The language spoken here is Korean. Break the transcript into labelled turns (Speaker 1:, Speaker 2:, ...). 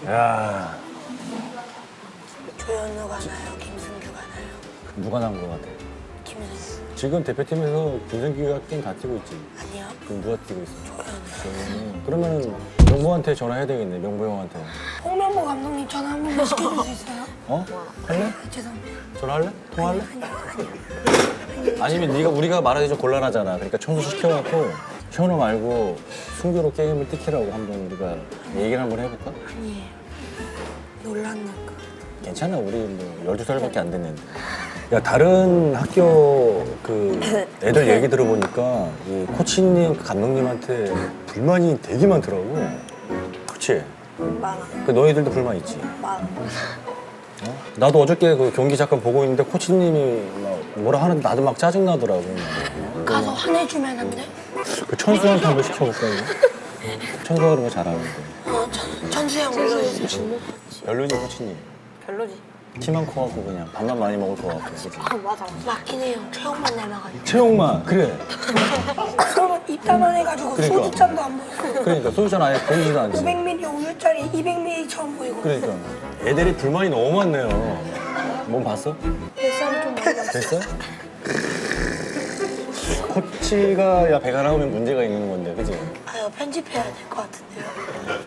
Speaker 1: 야,
Speaker 2: 조현우 가나요? 김승규 가나요?
Speaker 1: 누가 난 거 같아?
Speaker 2: 김승규.
Speaker 1: 지금 대표팀에서 김승기가 게임 다 뛰고 있지.
Speaker 2: 아니요.
Speaker 1: 그럼 누가 뛰고 있어?
Speaker 2: 조현우.
Speaker 1: 그러면은 명보한테 전화해야 되겠네. 명보 형한테.
Speaker 2: 홍명보 감독님 전화 한 번만 시켜줄 수 있어요?
Speaker 1: 어? 할래?
Speaker 2: 죄송합니다.
Speaker 1: 전화할래? 통화할래?
Speaker 2: 아니요.
Speaker 1: 아니면 네가 우리가 말하기 좀 곤란하잖아. 그러니까 청소 시켜갖고 현우 말고 승규로 게임을 뛰키라고 한번 우리가 얘기를 한번 해볼까?
Speaker 2: 아니에요. 놀랐니까.
Speaker 1: 괜찮아. 우리 뭐 12살밖에 안 됐는데. 야, 다른 학교 그 애들 얘기 들어보니까 이 코치님, 감독님한테 불만이 되게 많더라고. 그치?
Speaker 2: 많아.
Speaker 1: 그 너희들도 불만 있지?
Speaker 2: 많아.
Speaker 1: 어? 나도 어저께 그 경기 잠깐 보고 있는데 코치님이 막 뭐라 하는데 나도 막 짜증나더라고.
Speaker 2: 가서 화내주면 안 돼?
Speaker 1: 그 천수한테 한번 시켜볼까 이거? 천수가 그런 거 잘하는데.
Speaker 2: 전수형 불러주세요.
Speaker 1: 별로지 코치님.
Speaker 2: 별로지.
Speaker 1: 키만 커갖고 그냥 밥만 많이 먹을 것 같고. 그치?
Speaker 2: 아 맞아. 맞긴 해요. 체형만 닮아가지고.
Speaker 1: 체육만 그래.
Speaker 2: 그러면 입다만 해가지고
Speaker 1: 그러니까.
Speaker 2: 소주잔도 안 보이고.
Speaker 1: 그러니까 소주잔 아예 보이지도 않지.
Speaker 2: 500ml 우유짜리 200ml처럼 보이고.
Speaker 1: 그러니까 애들이 불만이 너무 많네요. 몸 봤어?
Speaker 2: 뱃살이 좀 많이
Speaker 1: 됐어? 코치가 야 배가 나오면 문제가 있는 건데, 그지?
Speaker 2: 아유 편집해야 될 것 같은데요.